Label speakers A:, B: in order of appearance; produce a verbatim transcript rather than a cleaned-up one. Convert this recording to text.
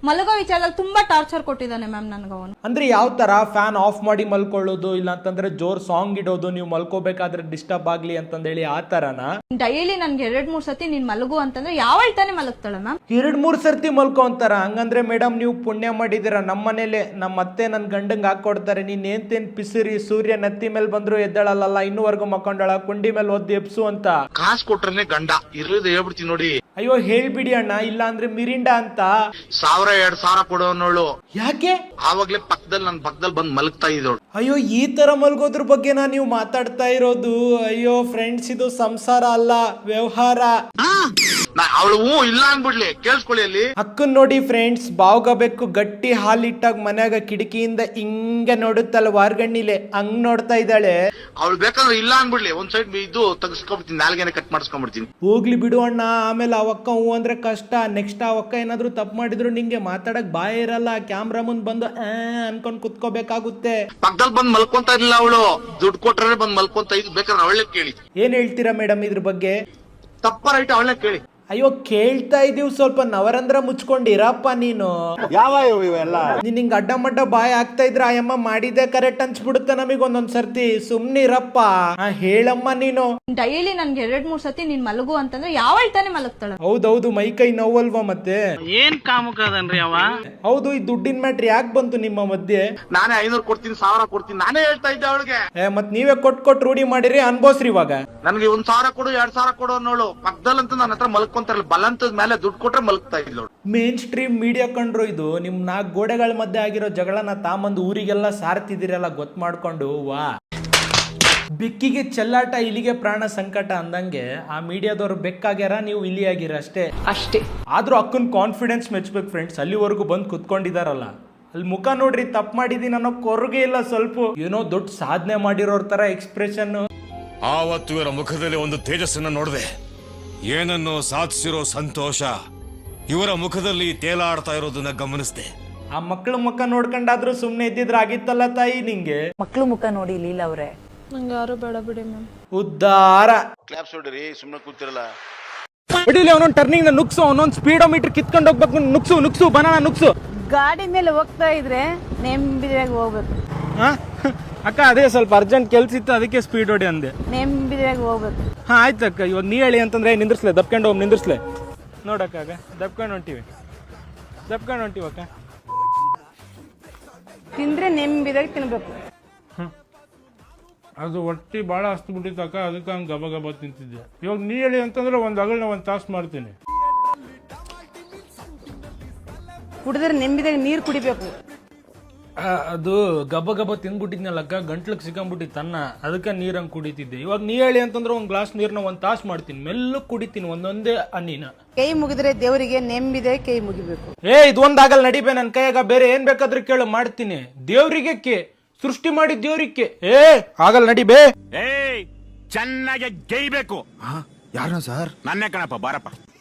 A: ಮಲಗೋ ವಿಚಾರದಲ್ಲಿ ತುಂಬಾ ಟಾರ್ಚರ್ ಕೊಟ್ಟಿದ್ದಾನೆ ಮ್ಯಾಮ್ ನನ್ಗೆ ಅವನು.
B: ಅಂದ್ರೆ ಯಾವ ತರ ಫ್ಯಾನ್ ಆಫ್ ಮಾಡಿ ಮಲ್ಕೊಳ್ಳೋದು, ಇಲ್ಲ ಅಂತಂದ್ರೆ ಜೋರ್ ಸಾಂಗ್ ಇಡೋದು, ನೀವು ಮಲ್ಕೋಬೇಕಾದ್ರೆ ಡಿಸ್ಟರ್ಬ್ ಆಗ್ಲಿ ಅಂತಂದೇಳಿ ಆ ತರನಾ?
A: ಡೈಲಿ ನನ್ಗೆ ಎರಡ್ ಮೂರ್ ಸತಿ ನೀನ್ ಮಲಗು ಅಂತಂದ್ರೆ ಯಾವ ತಾನೇ ಮಲಗ್ತಾಳೆ ಮ್ಯಾಮ್?
B: ಎರಡ್ ಮೂರ್ ಸರ್ತಿ ಮಲ್ಕೋ ಅಂತಾರ? ಹಂಗಂದ್ರೆ ಮೇಡಮ್ ನೀವು ಪುಣ್ಯ ಮಾಡಿದಿರ. ನಮ್ಮ ಮನೇಲೆ ನಮ್ಮ ಅತ್ತೆ ನನ್ ಗಂಡಂಗ್ ಹಾಕೊಡ್ತಾರೆ, ನೀನ್ ಏನ್ತೇನ್ ಪಿಸಿರಿ ಸೂರ್ಯ ನತ್ತಿ ಮೇಲೆ ಬಂದ್ರು ಎದ್ದಳಲ್ಲ, ಇನ್ನೂವರೆಗೂ ಮಕ್ಕೊಂಡಳ, ಕುಂಡಿ ಮೇಲೆ ಒದ್ದು ಎಬ್ಸು ಅಂತ.
C: ಕಾಸು ಕೊಟ್ರನೆ ಗಂಡ ಇರೋದು ಹೇಳ್ಬಿಡ್ತೀನಿ ನೋಡಿ.
B: ಅಯ್ಯೋ ಹೇಳ್ಬಿಡಿ ಅಣ್ಣ, ಇಲ್ಲ ಅಂದ್ರೆ ಮಿರಿಂಡಾ ಅಂತ
C: ಸಾವಿರ ಎರಡ್ ಸಾವಿರ ಕೊಡೋನೋಳು.
B: ಯಾಕೆ?
C: ಆವಾಗ್ಲೇ ಪಕ್ಕದಲ್ಲಿ ನನ್ ಪಕ್ಕದಲ್ಲಿ ಬಂದ್ ಮಲಗ್ತಾ ಇದ್ದೋಳು.
B: ಅಯ್ಯೋ ಈ ತರ ಮಲ್ಗೋದ್ರ ಬಗ್ಗೆನಾ ನೀವು ಮಾತಾಡ್ತಾ ಇರೋದು? ಅಯ್ಯೋ ಫ್ರೆಂಡ್ಸ್, ಇದು ಸಂಸಾರ ಅಲ್ಲ, ವ್ಯವಹಾರ.
C: ಅವಳು ಹೂ ಇಲ್ಲ ಅನ್ಬಿಡ್ಲಿ, ಕೇಳಿಸ್ಕೊಳ್ಳಿ. ಅಲ್ಲಿ
B: ಅಕ್ಕನ್ ನೋಡಿ ಫ್ರೆಂಡ್ಸ್, ಬಾವ್ಗಬೇಕು ಗಟ್ಟಿ ಹಾಲಿಟ್ಟಾಗ ಮನ್ಯಾಗ ಕಿಟಕಿಯಿಂದ ಹಿಂಗ ನೋಡುತ್ತಲ್ಲ ವಾರ್ಗಣ್ಣಿಲೆ, ಹಂಗ್ ನೋಡ್ತಾ ಇದ್ದಾಳೆ.
C: ಅವಳು ಬೇಕಾದ್ರೆ ಇಲ್ಲ ಅನ್ಬಿಡ್ಲಿ, ಒಂದ್ ಸೈಡ್ ಇದು ತೆಗಿಸ್ಕೊಂಡ್ಬಿಡ್ತೀನಿ, ನಾಲ್ಗೆನೆ ಕಟ್ ಮಾಡಿಸ್ಕೊಂಡ್ಬಿಡ್ತೀನಿ.
B: ಹೋಗ್ಲಿ ಬಿಡು ಅಣ್ಣ, ಆಮೇಲೆ ಅವಕ್ಕ ಹೂ ಅಂದ್ರೆ ಕಷ್ಟ. ನೆಕ್ಸ್ಟ್ ಅವಕ್ಕ ಏನಾದ್ರು ತಪ್ಪು ಮಾಡಿದ್ರು ನಿಂಗೆ ಮಾತಾಡಕ್ ಬಾಯ ಇರಲ್ಲ, ಕ್ಯಾಮ್ರಾ ಮುಂದ್ ಬಂದು ಆ ಅನ್ಕೊಂಡ್ ಕುತ್ಕೋಬೇಕಾಗುತ್ತೆ.
C: ಪಕ್ಕದಲ್ಲಿ ಬಂದ್ ಮಲ್ಕೊಂತ ಇರ್ಲಿಲ್ಲ ಅವಳು, ದುಡ್ಡು ಕೊಟ್ರೆ ಬಂದ್ ಮಲ್ಕೊಂತ ಇದ್. ಬೇಕಾದ್ರೆ ಅವಳೇ ಕೇಳಿ.
B: ಏನ್ ಹೇಳ್ತೀರಾ ಮೇಡಮ್ ಇದ್ರ ಬಗ್ಗೆ?
C: ತಪ್ಪ ರೈಟ್ ಅವಳೇ ಕೇಳಿ.
B: ಅಯ್ಯೋ ಕೇಳ್ತಾ ಇದೀವಿ, ಸ್ವಲ್ಪ ನವರಂದ್ರ ಮುಚ್ಕೊಂಡಿರಪ್ಪ ನೀನು.
D: ಯಾವ ಇವೆಲ್ಲ
B: ನೀನ್ ಹಿಂಗ್ ಅಡ್ಡ ಮಡ್ಡ ಬಾಯ್ ಆಗ್ತಾ ಇದ್ರ ಆಯಮ್ಮ ಮಾಡಿದೆ ಕರೆಕ್ಟ್ ಅನ್ಸ್ಬಿಡುತ್ತೆ ನಮಗ್ ಒಂದೊಂದ್ ಸರ್ತಿ. ಸುಮ್ನಿರಪ್ಪ. ಹೇಳಮ್ಮ ನೀನು.
A: ಡೈಲಿ ನನ್ಗೆ ಎರಡ್ ಮೂರ್ ಸತಿ ನೀನ್ ಮಲಗು ಅಂತಂದ್ರೆ ಯಾವ ತಾನೇ ಮಲಗ್ತಾಳೆ?
B: ಹೌದೌದು, ಮೈ ಕೈ ನೋವಲ್ವಾ ಮತ್ತೆ?
E: ಏನ್ ಕಾಮುಕದನ್ರಿ ಅವ?
B: ಹೌದು, ಈ ದುಡ್ಡಿನ ಮ್ಯಾಟ್ರ್ ಯಾಕೆ ಬಂತು ನಿಮ್ಮ ಮಧ್ಯೆ?
C: ನಾನೇ ಐನೂರು ಕೊಡ್ತೀನಿ, ಸಾವಿರ ಕೊಡ್ತೀನಿ, ನಾನೇ ಹೇಳ್ತಾ ಇದ್ದೆ ಅವಳಿಗೆ.
B: ಮತ್ ನೀವೇ ಕೊಟ್ ಕೊಟ್ ರೂಢಿ ಮಾಡಿರಿ, ಅನ್ಬೋಸ್ರಿ ಇವಾಗ.
C: ನನ್ಗೆ ಒಂದ್ ಸಾವಿರ ಕೊಡು, ಎರಡ್ ಸಾವಿರ ಕೊಡು ಅನ್ನೋಳು. ಪಕ್ಕದಲ್ಲಂತೂ ನನ್ನ ಹತ್ರ ಮಲ್ಕೊಂತಾರಲ್ಲ, ಬಲಂತದ ಮೇಲೆ ದುಡ್ಡು ಕೊಟ್ರೆ ಮಲಗ್ತಾ ಇದ್ಲು.
B: ಮೇನ್ ಸ್ಟ್ರೀಮ್ ಮೀಡಿಯಾ ಕಂಡ್ರು ಇದು. ನಿಮ್ ನಾಲ್ಕು ಗೋಡೆಗಳ ಮಧ್ಯೆ ಆಗಿರೋ ಜಗಳನ ತಾಮಂದು ಊರಿಗೆಲ್ಲ ಸಾರ್ತಿದಿರಲ್ಲ ಗೊತ್ತು ಮಾಡ್ಕೊಂಡು. ವಾ, ಬೆಕ್ಕಿಗೆ ಚೆಲ್ಲಾಟ, ಇಲಿಗೆ ಪ್ರಾಣ ಸಂಕಟ ಅಂದಂಗೆ ಆ ಮೀಡಿಯಾದವ್ರು ಬೆಕ್ಕಾಗ್ಯಾರ, ನೀವು ಇಲಿ ಆಗಿರ ಅಷ್ಟೇ ಅಷ್ಟೇ. ಆದ್ರೂ ಅಕ್ಕನ್ ಕಾನ್ಫಿಡೆನ್ಸ್ ಮೆಚ್ಬೇಕು ಫ್ರೆಂಡ್ಸ್. ಅಲ್ಲಿವರೆಗೂ ಬಂದು ಕುತ್ಕೊಂಡಿದಾರಲ್ಲ, ಅಲ್ಲಿ ಮುಖ ನೋಡ್ರಿ, ತಪ್ಪು ಮಾಡಿದೀನಿ ಅನ್ನೋ ಕೊರಗೆ ಇಲ್ಲ ಸ್ವಲ್ಪ. ಏನೋ ದೊಡ್ಡ ಸಾಧನೆ ಮಾಡಿರೋರ್ ತರ ಎಕ್ಸ್ಪ್ರೆಷನ್.
F: ಆವತ್ತು ಇವರ ಮುಖದಲ್ಲಿ ಒಂದು ತೇಜಸ್ಸನ್ನ ನೋಡಿದೆ, ಏನನ್ನು ಸಾಧಿಸಿರೋ ಸಂತೋಷ ಇವರ ಮುಖದಲ್ಲಿ ತೇಲಾಡ್ತಾ ಇರೋದನ್ನ ಗಮನಿಸಿದೆ.
B: ಆ ಮಕ್ಳ ಮುಖ ನೋಡ್ಕೊಂಡಾದ್ರೂ ಸುಮ್ನೆ ಇದ್ದಿದ್ರ ಆಗಿತ್ತಲ್ಲ ತಾಯಿ ನಿಂಗೆ.
G: ಮಕ್ಳು ಮುಖ ನೋಡಿ ಲೀಲಾ ಅವ್ರೆ.
A: ನಂಗೆ ಯಾರು ಬೇಡ ಬಿಡಿ ಮ್ಯಾಮ್.
B: ಉದ್ದಾರ
C: ಕ್ಲಾಪ್ಸ್ ಹೊಡಿರಿ, ಸುಮ್ಮನೆ ಕೂತಿರಲ್ಲ.
B: ಬಿಡಿಲಿ, ಅವನೊಂದು ಟರ್ನಿಂಗ್ ನುಗ್ಸು, ಅವನೊಂದು ಸ್ಪೀಡೋಮೀಟರ್ ಕಿತ್ಕೊಂಡು ಹೋಗ್ಬೇಕು. ನುಗ್ಸು ನುಗ್ಸು ಬನಾನ ನುಗ್ಸು.
G: ಗಾಡಿ ಮೇಲೆ ಹೋಗ್ತಾ ಇದ್ರೆ ನೆಮ್ಮದಿಯಾಗಿ ಹೋಗ್ಬೇಕು.
B: ಅಕ್ಕ ಅದೇ ಸ್ವಲ್ಪ ಅರ್ಜೆಂಟ್ ಕೆಲ್ಸ ಇತ್ತು, ಅದಕ್ಕೆ ಸ್ಪೀಡ್ ಹೊಡಿ ಅಂದೆ.
G: ನೆಮ್ಮದಿಯಾಗಿ ಹೋಗ್ಬೇಕು.
B: ಹಾ ಆಯ್ತಕ್ಕ, ಇವಾಗ ನೀ ಹೇಳಿ ಅಂತಂದ್ರೆ ನಿಂದ್ರಸ್ಲೆ, ದಬ್ಕೊಂಡು ಹೋಗಿ ನಿಂದ್ರಸ್ಲೆ. ನೋಡಕ್ಕ ಆಗ ದಬ್ಕೊಂಡು ಹೊಂಟಿವಿ, ದಬ್ಕೊಂಡು ಹೊಂಟಿವಕ್ಕ.
G: ತಿಂದ್ರೆ ನೆಮ್ಮದಿಯಾಗಿ ತಿನ್ಬೇಕು.
H: ಅದು ಹೊಟ್ಟಿ ಭಾಳ ಹಸ್ತು ಬಿಟ್ಟಿತ್ತಕ್ಕ, ಅದಕ್ಕೆ ಹಂಗೆ ಗಬ ಗಬ ತಿಂತಿದ್ದೆ. ಇವಾಗ ನೀ ಹೇಳಿ ಅಂತಂದ್ರೆ ಒಂದು ಅಗಲ್ನ ಒಂದು ತಾಸು ಮಾಡ್ತೀನಿ.
G: ಕುಡಿದ್ರೆ ನೆಮ್ಮದಿಯಾಗಿ ನೀರು ಕುಡಿಬೇಕು.
B: ಅದು ಗಬ ಗಬ ತಿಂದ್ಬಿಟ್ಟಿದ್ನಲ್ಲಕ್ಕ, ಗಂಟ್ಲಿಗೆ ಸಿಕ್ಕಂಬಿಟ್ಟಿತ್ತು ಅನ್ನ, ಅದಕ್ಕೆ ನೀರಂಗೆ ಕುಡಿತಿದ್ದೆ. ಇವಾಗ ನೀ ಹೇಳಿ ಅಂತಂದ್ರೆ ಒಂದು ಗ್ಲಾಸ್ ನೀರನ್ನ ಒಂದು ತಾಸು ಮಾಡ್ತೀನಿ, ಮೆಲ್ಲಕ್ಕೆ ಕುಡಿತೀನಿ ಒಂದೊಂದೇ ಅನ್ನಿನ.
G: ಕೈ ಮುಗಿದ್ರೆ ದೇವರಿಗೆ ನೆಮ್ಮದಿಯಾಗಿ ಕೈ ಮುಗಿಬೇಕು.
B: ಏ ಇದೊಂದಾಗಲ್ಲ ನಡಿಬೇ, ನನ್ನ ಕೈಯಾಗ ಬೇರೆ ಏನ್ ಬೇಕಾದ್ರೂ ಕೇಳು ಮಾಡ್ತೀನಿ. ದೇವ್ರಿಗೆ ಕೆ ಸೃಷ್ಟಿ ಮಾಡಿ ದೇವ್ರಿಗೆ ಏ ಆಗಲ್ಲ ನಡಿಬೇ.
F: ಏಯ್, ಚೆನ್ನಾಗಿ ಗೈಬೇಕು.
D: ಯಾರನ್ನ ಸರ್?
F: ನನ್ನೇ ಕಣಪ್ಪ, ಬಾರಪ್ಪ.